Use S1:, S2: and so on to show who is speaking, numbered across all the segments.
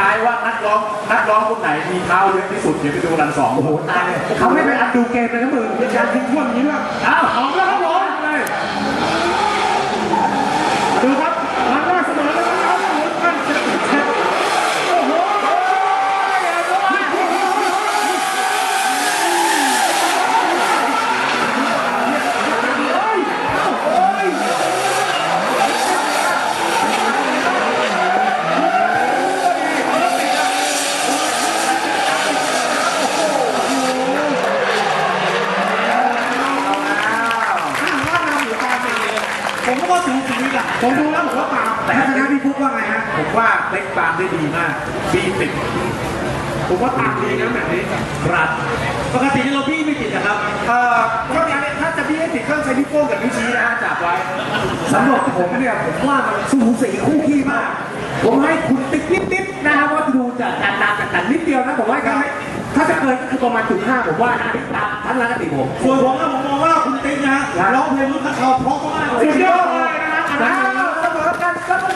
S1: ายว่านักร้องคนไหนมีเท้าเยอะที่สุดเดี๋ยวไปดูรันสอง
S2: โอ้โหตายเลยเขาไม่ไปอัดดูเกมเลยนะมึงมีการทิ้งช่วงนี้ด้วย
S1: อ้าวออกแล้วครับผมเลย
S2: ดูครับรันแรกเสมอแล้วนะครับโอ้โหกันโอ้โหผมก็ถึงสีอ่ะผมดูแล้วผมว่าปาแต่ชนะพี่ฟุ๊กว่าไงฮะ
S1: ผมว่าเล็กปามได้ดีมากบีติด
S2: ผมว่าตามดีนะแบบนี้
S1: ครับ
S3: ปกติที่เราพี่ไม่ติดนะครับ
S1: ก็ถ้าจะพี่ให้ติดเครื่องใช้นิ้วโป้งกับนิ้วชี้นะฮะจับไว้
S2: สำหรับผมเนี่ยผมว่ามันสูสีคู่ขี้มากผมให้คุณติ๊กนิดๆนะครับว่าดูจากการตามจากกันนิดเดียวนะผมว่าถ้าจะเกินก็คือประมาณ0.5ผมว่านะตามทัศนคติผม
S3: ส่วนผมนะผมมองว่าคุณติ๊กนะร้องเพลงรุ่นนักข่าวเพราะมากเลย
S2: สุดยอดเลยนะครับเสมอกันก็ต้องดี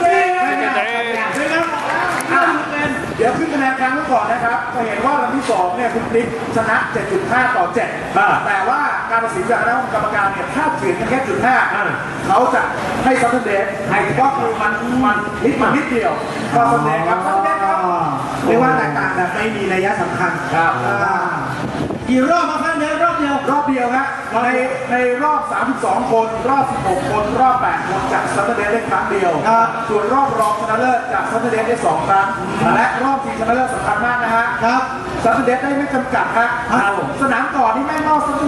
S1: เดี๋ยวขึ้นคะแนนครั้งก่อนนะครับจะเห็นว่าวันที่2เนี่ยคุณติ๊กชนะ 7.5 ต่อ 7 แต่ว่าการตัดสินจากคณะกรรมการเนี่ยถ้าเถียงกันแค่0.5เขาจะให้ซัตเทอร์เดย์ให้ก็คือมันนิดเดียวก็ซัตเทอร์เดย์ครับซัตเทอร์เดย์ครับ
S2: เรียกว่าแตกต่างแบบไม่มีนัยสำคัญ
S1: ครับ
S3: กี่รอบมาครับเนี่ยรอบเดียว
S1: รอบเดียวฮะในรอบ 32 คน รอบ 16 คน รอบ 8 คนจากซัตเทอร์เดย์ได้ครั้งเดียว ส่วนรอบรองชนะเลิศจากซัตเทอร์เดย์ได้ 2 ครั้ง และรอบชิงชนะเลิศสำคัญมากนะฮะ
S3: ครับ
S1: ซัตเทอร์เดย์ได้ไม่จำกัดฮะสนามก่อนนี่แม่งนอก